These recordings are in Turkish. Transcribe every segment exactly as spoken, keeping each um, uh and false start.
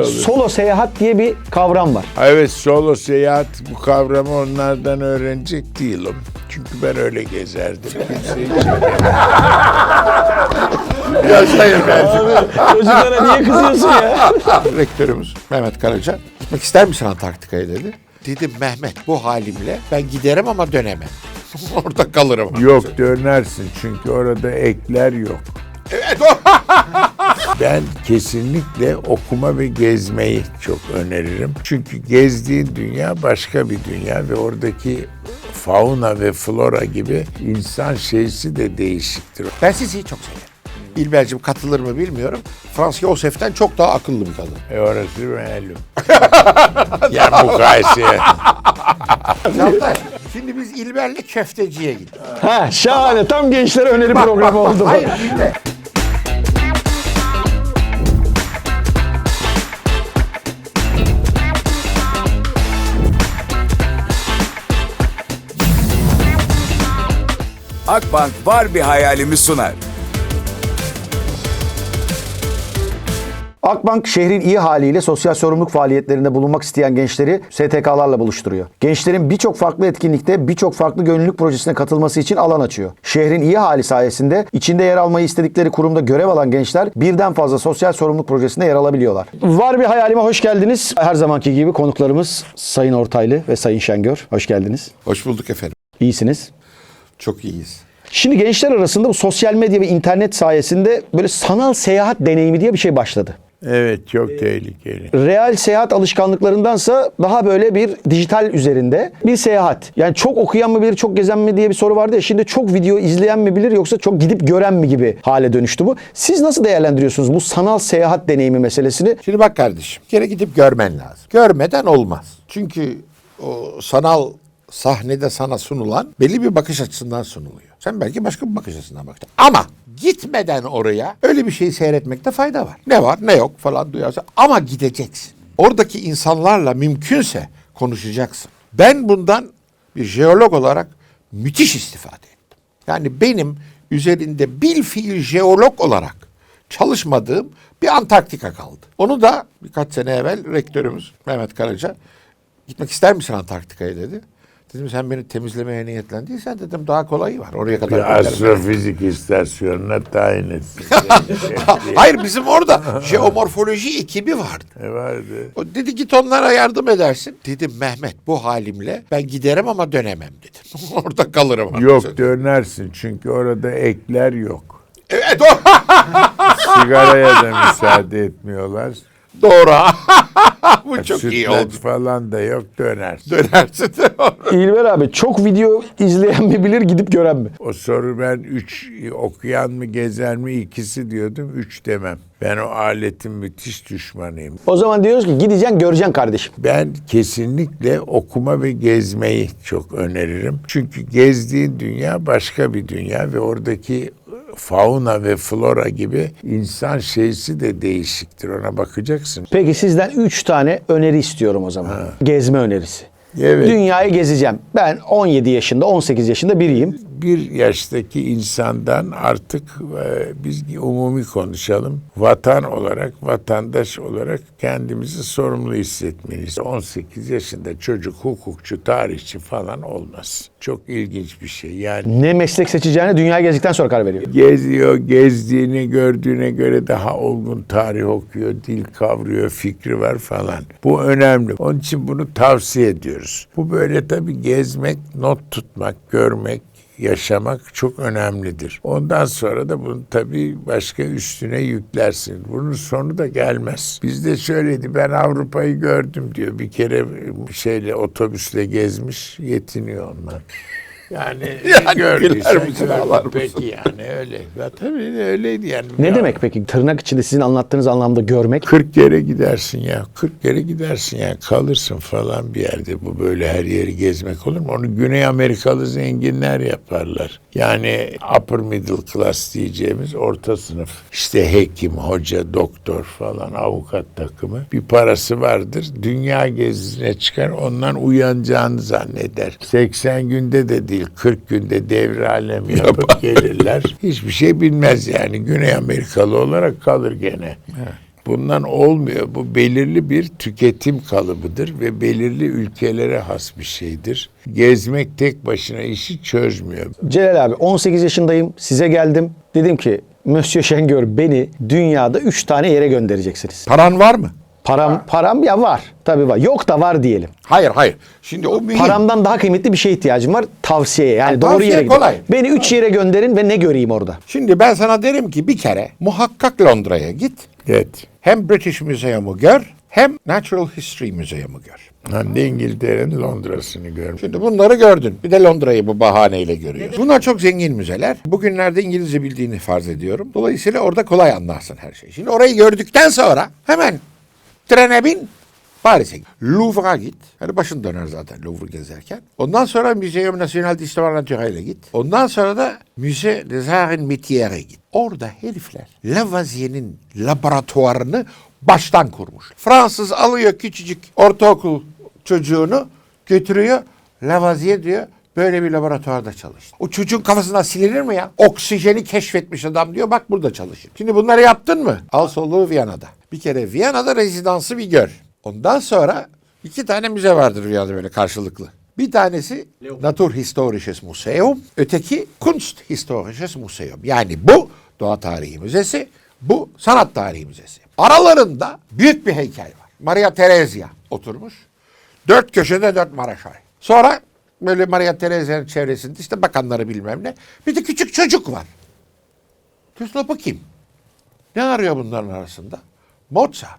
olur. Solo seyahat diye bir kavram var. Evet, solo seyahat, bu kavramı onlardan öğrenecek değilim. Çünkü ben öyle gezerdim. Kimseyi çekemem. Yaşayın ben. Çocuklara niye kızıyorsun ya? Rektörümüz Mehmet Karaca, gitmek ister misin Antarktika'ya dedi. Dedim Mehmet, bu halimle ben giderim ama dönemem. Orada kalırım. Yok, dönersin çünkü orada ekler yok. Evet o. Ben kesinlikle okuma ve gezmeyi çok öneririm. Çünkü gezdiğin dünya başka bir dünya ve oradaki fauna ve flora gibi insan şeysi de değişiktir. Ben sizi çok severim. İlber'cim katılır mı bilmiyorum. Frans Yosef'ten çok daha akıllı bir kadın. E orası malum. Ya mukayese. Çağatay, şimdi biz İlber'le köfteciye gittik. Ha, şahane. Tam gençlere öneri programı oldu bu. Hayır dinle. Akbank Var Bir Hayalimi sunar. Akbank şehrin iyi haliyle sosyal sorumluluk faaliyetlerinde bulunmak isteyen gençleri S T K'larla buluşturuyor. Gençlerin birçok farklı etkinlikte birçok farklı gönüllülük projesine katılması için alan açıyor. Şehrin iyi hali sayesinde içinde yer almayı istedikleri kurumda görev alan gençler birden fazla sosyal sorumluluk projesinde yer alabiliyorlar. Var Bir Hayalime hoş geldiniz. Her zamanki gibi konuklarımız Sayın Ortaylı ve Sayın Şengör. Hoş geldiniz. Hoş bulduk efendim. İyisiniz. Çok iyiyiz. Şimdi gençler arasında bu sosyal medya ve internet sayesinde böyle sanal seyahat deneyimi diye bir şey başladı. Evet, çok tehlikeli. Real seyahat alışkanlıklarındansa daha böyle bir dijital üzerinde bir seyahat. Yani çok okuyan mı bilir, çok gezen mi diye bir soru vardı ya. Şimdi çok video izleyen mi bilir yoksa çok gidip gören mi gibi hale dönüştü bu. Siz nasıl değerlendiriyorsunuz bu sanal seyahat deneyimi meselesini? Şimdi bak kardeşim, bir kere gidip görmen lazım. Görmeden olmaz. Çünkü o sanal sahnede sana sunulan belli bir bakış açısından sunuluyor. Sen belki başka bir bakış açısından bakacaksın. Ama gitmeden oraya öyle bir şeyi seyretmekte fayda var. Ne var ne yok falan duyarsan. Ama gideceksin. Oradaki insanlarla mümkünse konuşacaksın. Ben bundan bir jeolog olarak müthiş istifade ettim. Yani benim üzerinde bilfiil jeolog olarak çalışmadığım bir Antarktika kaldı. Onu da birkaç sene evvel rektörümüz Mehmet Karaca, gitmek ister misin Antarktika'ya dedi. Dedim sen beni temizlemeye niyetlendiysen dedim daha kolayı var. Oraya kadar Bir astrofizik istasyonuna tayin etsin. Hayır, bizim orada jeomorfoloji ekibi vardı. Ne vardı? O dedi git onlara yardım edersin. Dedim Mehmet, bu halimle ben giderim ama dönemem dedim. Orada kalırım. Yok, dönersin çünkü orada ekler yok. Evet o. Sigaraya da müsaade etmiyorlar. Doğru. Bu çok iyi Sütlaç oldu. falan da yok, dönersin. Dönersin. İlber abi çok video izleyen mi bilir gidip gören mi? O soru ben üç, okuyan mı gezer mi ikisi diyordum, üç demem. Ben o aletin müthiş düşmanıyım. O zaman diyoruz ki gideceksin göreceksin kardeşim. Ben kesinlikle okuma ve gezmeyi çok öneririm. Çünkü gezdiğin dünya başka bir dünya ve oradaki fauna ve flora gibi insan şeysi de değişiktir. Ona bakacaksın. Peki sizden üç tane öneri istiyorum o zaman. Gezme önerisi. Evet. Dünyayı gezeceğim. Ben on yedi yaşında, on sekiz yaşında biriyim. Bir yaştaki insandan artık e, biz umumi konuşalım. Vatan olarak, vatandaş olarak kendimizi sorumlu hissetmeliyiz. on sekiz yaşında çocuk, hukukçu, tarihçi falan olmaz. Çok ilginç bir şey. Yani Ne meslek seçeceğine dünyayı gezdikten sonra karar veriyor. geziyor, gezdiğini gördüğüne göre daha olgun tarih okuyor, dil kavruyor, fikri var falan. Bu önemli. Onun için bunu tavsiye ediyoruz. Bu böyle tabii gezmek, not tutmak, görmek, yaşamak çok önemlidir. Ondan sonra da bunu tabii başka üstüne yüklersin. Bunun sonu da gelmez. Bizde şöyleydi, ben Avrupa'yı gördüm diyor. Bir kere şeyle otobüsle gezmiş, yetiniyor onlar. Yani, Yani gördüysen güler misin, ağlar gördün. mısın? Peki yani öyle. Ya tabii öyleydi yani. Ne Ya, demek peki tırnak içinde sizin anlattığınız anlamda görmek? kırk kere gidersin ya. kırk kere gidersin ya. Kalırsın falan bir yerde. Bu böyle her yeri gezmek olur mu? Onu Güney Amerikalı zenginler yaparlar. Yani upper middle class diyeceğimiz orta sınıf. İşte hekim, hoca, doktor falan, avukat takımı. Bir parası vardır. Dünya gezisine çıkar. Ondan uyanacağını zanneder. seksen günde de değil, kırk günde devre alem yapıp gelirler. Hiçbir şey bilmez yani. Güney Amerikalı olarak kalır gene. Bundan olmuyor. Bu belirli bir tüketim kalıbıdır ve belirli ülkelere has bir şeydir. Gezmek tek başına işi çözmüyor. Celal abi on sekiz yaşındayım. Size geldim. Dedim ki Monsieur Şengör beni dünyada üç tane yere göndereceksiniz. Paran var mı? Param param ya var. Tabii var. Yok da var diyelim. Hayır hayır. Şimdi o mühim. Paramdan daha kıymetli bir şeye ihtiyacım var. Tavsiyeye. Yani Ha, doğru tavsiye yere gidin. kolay. Beni üç yere gönderin ve ne göreyim orada? Şimdi ben sana derim ki bir kere muhakkak Londra'ya git. Evet. Hem British Museum'u gör hem Natural History Museum'u gör. Hem de İngiltere'nin Londra'sını görmüş. Şimdi bunları gördün. Bir de Londra'yı bu bahaneyle görüyorsun. Bunlar çok zengin müzeler. Bugünlerde İngilizce bildiğini farz ediyorum. Dolayısıyla orada kolay anlarsın her şeyi. Şimdi orayı gördükten sonra hemen trene bin, Paris'e git. Louvre'a git. Hani başın döner zaten Louvre gezerken. Ondan sonra Muséum National d'Histoire Naturelle'e git. Ondan sonra da Musée des Arts Métières'e git. Orada herifler Lavoisier'in laboratuvarını baştan kurmuş. Fransız alıyor küçücük ortaokul çocuğunu götürüyor. Lavoisier diyor böyle bir laboratuvarda çalıştı. O çocuğun kafasından silinir mi ya? Oksijeni keşfetmiş adam diyor bak burada çalışır. Şimdi bunları yaptın mı? Al soluğu Viyana'da. Bir kere Viyana'da rezidansı bir gör. Ondan sonra iki tane müze vardır Viyana'da böyle karşılıklı. Bir tanesi Naturhistorisches Museum, öteki Kunsthistorisches Museum. Yani bu Doğa Tarihi Müzesi, bu Sanat Tarihi Müzesi. Aralarında büyük bir heykel var. Maria Theresia oturmuş. Dört köşede dört Maraşay. Sonra böyle Maria Theresia'nın çevresinde işte bakanları bilmem ne. Bir de küçük çocuk var. Diyorsun bakayım. Ne arıyor bunların arasında? Mozart.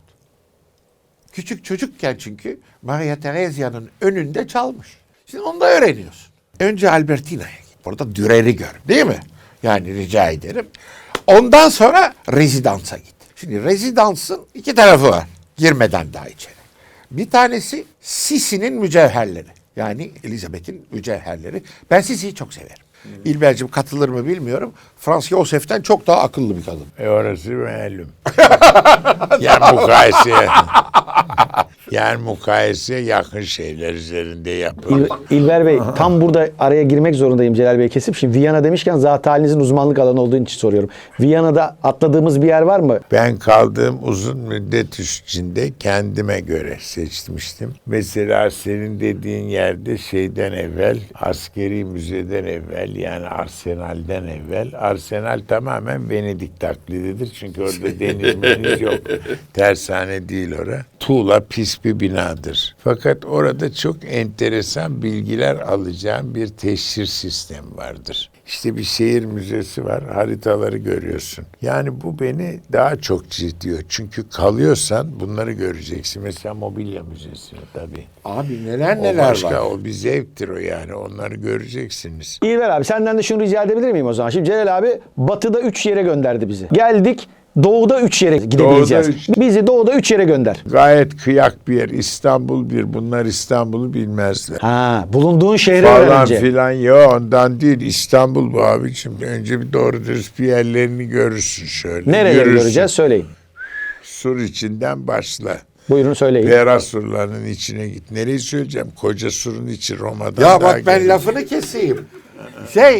Küçük çocukken çünkü Maria Theresia'nın önünde çalmış. Şimdi onu da öğreniyorsun. Önce Albertina'ya git. Orada Dürer'i gör. Değil mi? Yani rica ederim. Ondan sonra rezidansa git. Şimdi rezidansın iki tarafı var. Girmeden daha içeri. Bir tanesi Sisi'nin mücevherleri. Yani Elizabeth'in mücevherleri. Ben Sisi'yi çok severim. Hmm. İlber'cim katılır mı bilmiyorum. Frans Josef'ten çok daha akıllı bir kadın. E orası malum. Yani mukayeseye. Yani mukayeseye yakın şeyler üzerinde yapılır. İl, İlber Bey tam burada araya girmek zorundayım Celal Bey kesip. Şimdi Viyana demişken zat halinizin uzmanlık alanı olduğu için soruyorum. Viyana'da atladığımız bir yer var mı? Ben kaldığım uzun müddet içinde kendime göre seçmiştim. Mesela senin dediğin yerde şeyden evvel, askeri müzeden evvel yani Arsenal'den evvel. Arsenal tamamen Venedik taklididir. Çünkü orada deniz meniz yok. Tersane değil orası. Tuğla pis bir binadır. Fakat orada çok enteresan bilgiler alacağım bir teşhir sistemi vardır. İşte bir şehir müzesi var, haritaları görüyorsun. Yani bu beni daha çok ciddiyor. Çünkü kalıyorsan bunları göreceksin. Mesela mobilya müzesi tabii. Abi neler O neler başka, var. o bir zevktir o yani. Onları göreceksiniz. İlber abi senden de şunu rica edebilir miyim o zaman? Şimdi Celal abi batıda üç yere gönderdi bizi. Geldik doğuda üç yere gidebileceğiz. üç. Bizi doğuda üç yere gönder. Gayet kıyak bir yer. İstanbul bir. Bunlar İstanbul'u bilmezler. Ha, bulunduğun şehri Falan öğrenince. filan ya ondan değil. İstanbul bu abiciğim. Önce bir doğru dürüst bir yerlerini görürsün şöyle. Nereleri Yürürsün. göreceğiz söyleyin. Sur içinden başla. Buyurun söyleyin. Pera surlarının içine git. Nereyi söyleyeceğim? Koca surun içi Roma'dan Ya daha bak ben güzel. lafını keseyim. Şey,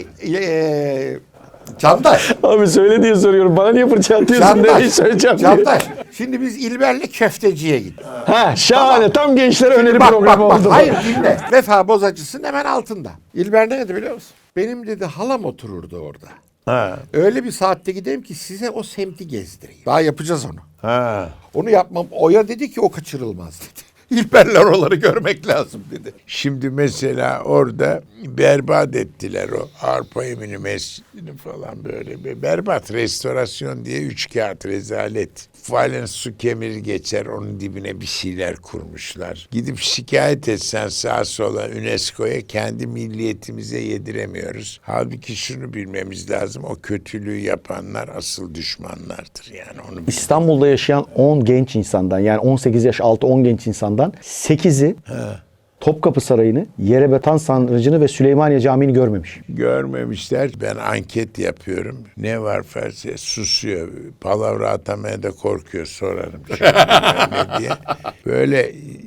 eee Candaş. Abi söyle diye soruyorum. Bana niye fırça atıyorsun? Nereyi söyleyeceğim diye. Candaş. Şimdi biz İlber'le köfteciye gittik. Ha şahane. Tam gençlere öneri Bak programı bak bak. oldu. Hayır dinle. Vefa Bozacısı'nın hemen altında. İlber ne dedi biliyor musun? Benim dedi halam otururdu orada. Ha. Öyle bir saatte gideyim ki size o semti gezdireyim. Daha yapacağız onu. Ha. Onu yapmam. Oya dedi ki o kaçırılmaz dedi. İlberler oraları görmek lazım dedi. Şimdi mesela orada berbat ettiler o Arpa Emini Mescidi'ni falan böyle. Bir berbat restorasyon diye üç kağıt rezalet. Falen su kemiri geçer onun dibine bir şeyler kurmuşlar. Gidip şikayet etsen sağa sola UNESCO'ya kendi milliyetimize yediremiyoruz. Halbuki şunu bilmemiz lazım o kötülüğü yapanlar asıl düşmanlardır yani onu bil- İstanbul'da yaşayan on genç insandan yani on sekiz yaş altı on genç insandan sekizi Topkapı Sarayı'nı, Yerebatan Sarnıcı'nı ve Süleymaniye Camii'ni görmemiş. görmemişler. Ben anket yapıyorum. Ne var felsefe? Susuyor. Palavra atamaya da korkuyor sorarım. Şimdi ne diye. Böyle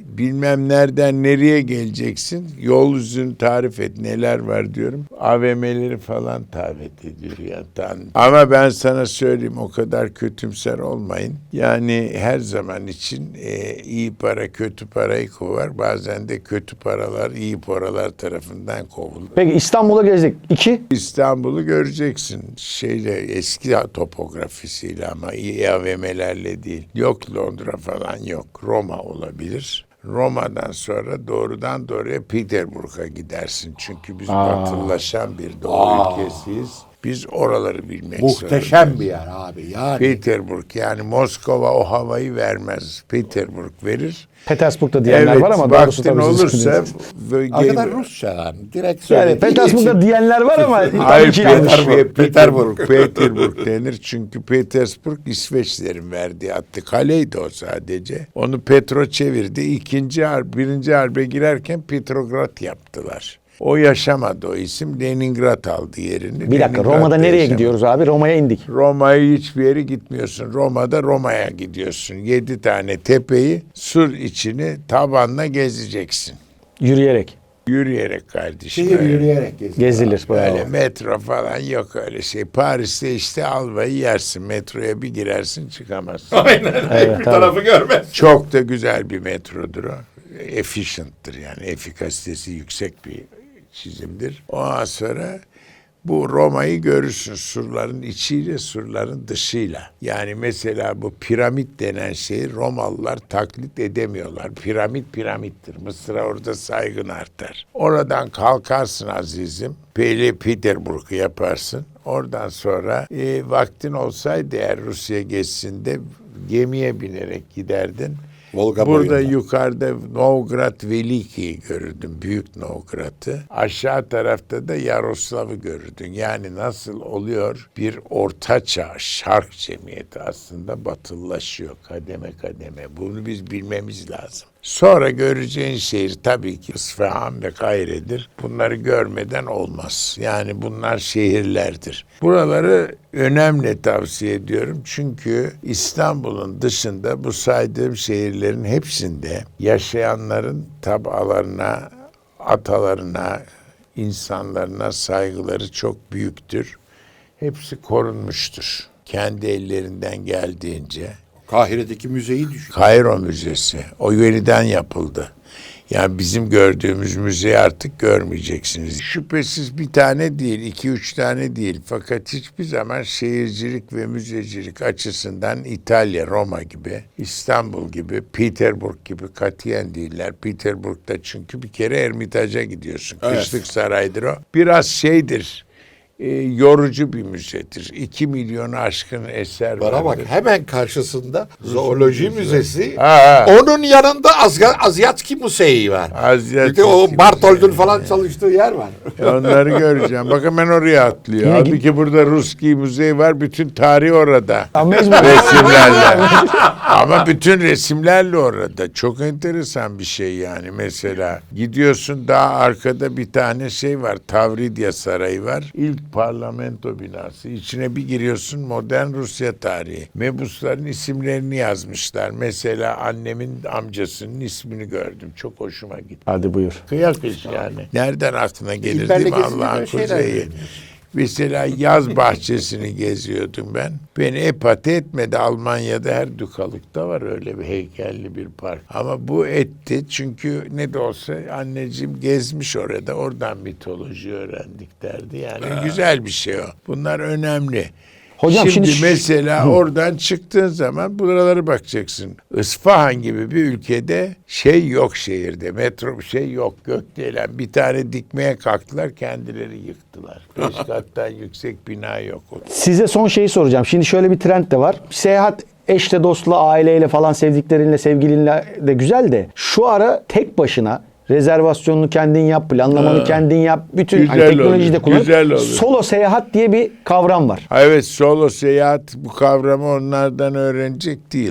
bilmem nereden nereye geleceksin. Yol yüzünü tarif et. Neler var diyorum. A V M'leri falan davet ediyor ya. Ama ben sana söyleyeyim, o kadar kötümser olmayın. Yani her zaman için e, iyi para kötü parayı kovar. Bazen de kötü paralar iyi paralar tarafından kovulur. Peki İstanbul'a gezdik. İki. İstanbul'u göreceksin. Şeyle, eski topografisiyle ama iyi A V M'lerle değil. Yok Londra falan yok. Roma olabilir. Roma'dan sonra doğrudan doğruya Peterburg'a gidersin. Çünkü biz batılılaşan bir doğu ülkesiyiz. Biz oraları bilmek Muhteşem zorundayız. bir yer abi. Yani Peterburg, yani Moskova o havayı vermez. Peterburg verir. Petersburg'da diyenler Evet, var ama doğrusu vaktin tabii siz olursa bilirsiniz. böyle arkadaşlar gel- Rusça yani. Direkt Yani söylediği Petersburg'da için- diyenler var ama Hayır, tabii ki yanlış. Petersburg, Peterburg, Peterburg denir. Çünkü Petersburg İsveçlerin verdiği attı. Kaleydi o sadece. Onu Petro çevirdi. İkinci harp, birinci harbe girerken Petrograd yaptılar. O yaşamadı o isim. Leningrad aldı yerini. Bir dakika, Leningrad'da Roma'da nereye yaşamadı. gidiyoruz abi? Roma'ya indik. Roma'ya hiçbir yere gitmiyorsun. Roma'da Roma'ya gidiyorsun. Yedi tane tepeyi sur içini tabanla gezeceksin. Yürüyerek. Yürüyerek kardeşim. Şehir öyle. yürüyerek geziyor. Gezilir. Öyle Bravo. metro falan yok, öyle şey. Paris'te işte albayı yersin. Metroya bir girersin, çıkamazsın. Aynen. Evet, bir tabii. tarafı görmez. Çok da güzel bir metrodur o. Efficient'tır yani. Efikasitesi yüksek bir çizimdir. Ondan sonra bu Roma'yı görürsün surların içiyle surların dışıyla. Yani mesela bu piramit denen şeyi Romalılar taklit edemiyorlar. Piramit piramittir. Mısır'a orada saygın artar. Oradan kalkarsın azizim. Pele Peterburg'u yaparsın. Oradan sonra e, vaktin olsaydı eğer Rusya gezisinde gemiye binerek giderdin. Volga Burada boyunda. yukarıda Novgorod Veliki'yi görürdün. Büyük Novgorod'u. Aşağı tarafta da Yaroslav'ı görürdün. Yani nasıl oluyor? Bir ortaçağ şark cemiyeti aslında batılılaşıyor kademe kademe. Bunu biz bilmemiz lazım. Sonra göreceğin şehir tabii ki İsfahan ve Kahire'dir. Bunları görmeden olmaz. Yani bunlar şehirlerdir. Buraları önemli tavsiye ediyorum. Çünkü İstanbul'un dışında bu saydığım şehirlerin hepsinde yaşayanların tabalarına, atalarına, insanlarına saygıları çok büyüktür. Hepsi korunmuştur. Kendi ellerinden geldiğince. Kahire'deki müzeyi düşün. Kairo Müzesi. O yeniden yapıldı. Yani bizim gördüğümüz müzeyi artık görmeyeceksiniz. Şüphesiz bir tane değil, iki üç tane değil. Fakat hiçbir zaman şehircilik ve müzecilik açısından İtalya, Roma gibi, İstanbul gibi, Peterburg gibi katiyen değiller. Peterburg'da çünkü bir kere Ermitaja gidiyorsun. Evet. Kışlık saraydır o. Biraz şeydir, e, yorucu bir müzedir. İki milyonu aşkın eser Bana bak, vardır. hemen karşısında zooloji müzesi. Ha, ha. Onun yanında Azga, Azyatski Museyi var. Azyatski Bir de o Museyi. Bartold'un falan çalıştığı yer var. E onları göreceğim. Bakın ben oraya atlıyor. Yine Halbuki git- burada Ruski Müzeyi var. Bütün tarih orada. Ama mecbur. Resimlerle. Ama bütün resimlerle orada. Çok enteresan bir şey yani. Mesela gidiyorsun, daha arkada bir tane şey var. Tavridya Sarayı var. İlk parlamento binası. İçine bir giriyorsun, modern Rusya tarihi. Mebusların isimlerini yazmışlar. Mesela annemin amcasının ismini gördüm. Çok hoşuma gitti. Hadi buyur. Kıyak iş yani. Nereden aklına gelir İlberle değil mi gezince Allah'ın böyle şeyler kuzeyi? görüyorsun. Mesela yaz bahçesini geziyordum ben. Beni epate etmedi. Almanya'da her dükalıkta var öyle bir heykelli bir park. Ama bu etti çünkü ne de olsa anneciğim gezmiş orada. Oradan mitoloji öğrendik derdi. Yani güzel bir şey o. Bunlar önemli. Hocam şimdi, şimdi- mesela oradan çıktığın zaman buralara bakacaksın. İsfahan gibi bir ülkede şey yok şehirde. Metro bir şey yok. Gökdelen bir tane dikmeye kalktılar, kendileri yıktılar. Beş kattan yüksek bina yok. Size son şeyi soracağım. Şimdi şöyle bir trend de var. Seyahat eşle, dostla, aileyle falan, sevdiklerinle, sevgilinle de güzel de şu ara tek başına rezervasyonunu kendin yap, planlamanı Ha. kendin yap. Bütün hani Güzel teknolojiyi de olur, kullan. güzel olur. Solo seyahat diye bir kavram var. Ha, evet, solo seyahat, bu kavramı onlardan öğrenecek değilim.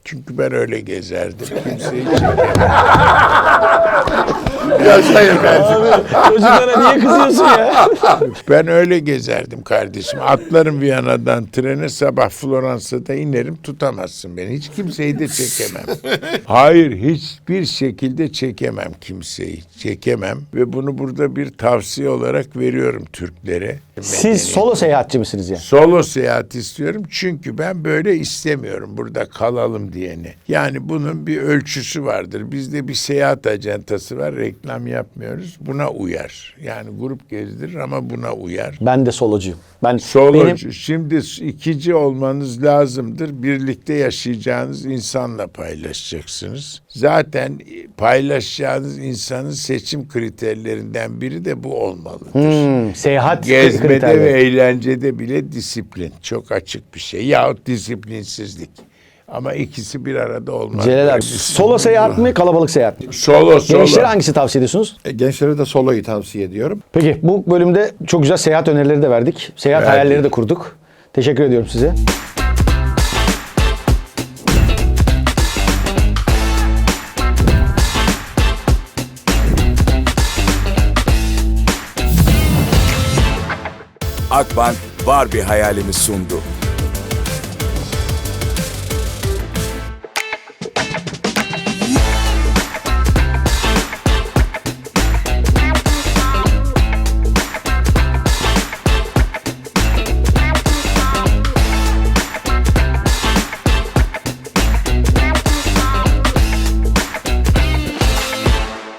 Çünkü ben öyle gezerdim. Kimseyi çekemem. Yaşayın kardeşim. Çocuklara niye kızıyorsun ya? Ben öyle gezerdim kardeşim. Atlarım Viyana'dan trene, sabah Floransa'da inerim, tutamazsın beni. Hiç kimseyi de çekemem. Hayır, hiçbir şekilde çekemem kimseyi. Çekemem ve bunu burada bir tavsiye olarak veriyorum Türklere. Siz solo seyahatçi misiniz ya? Solo seyahat istiyorum çünkü ben böyle istemiyorum burada kalalım diyeni. Yani bunun bir ölçüsü vardır. Bizde bir seyahat acentası var, reklam yapmıyoruz. Buna uyar. Yani grup gezdirir ama buna uyar. Ben de solocuyum. Ben Solocu. benim Şimdi ikici olmanız lazımdır. Birlikte yaşayacağınız insanla paylaşacaksınız. Zaten paylaşacağınız insanın seçim kriterlerinden biri de bu olmalıdır. Hmm, seyahat Gezmede kriterleri. ve eğlencede bile disiplin. Çok açık bir şey. Yahut disiplinsizlik. Ama ikisi bir arada olmaz. Celal Böyle abi, bir- solo seyahat mi, kalabalık seyahat mi? Solo solo. Gençlere hangisi tavsiye ediyorsunuz? E, Gençlere de soloyu tavsiye ediyorum. Peki bu bölümde çok güzel seyahat önerileri de verdik. Seyahat Verdik. hayalleri de kurduk. Teşekkür ediyorum size. Akbank var bir hayalimi sundu.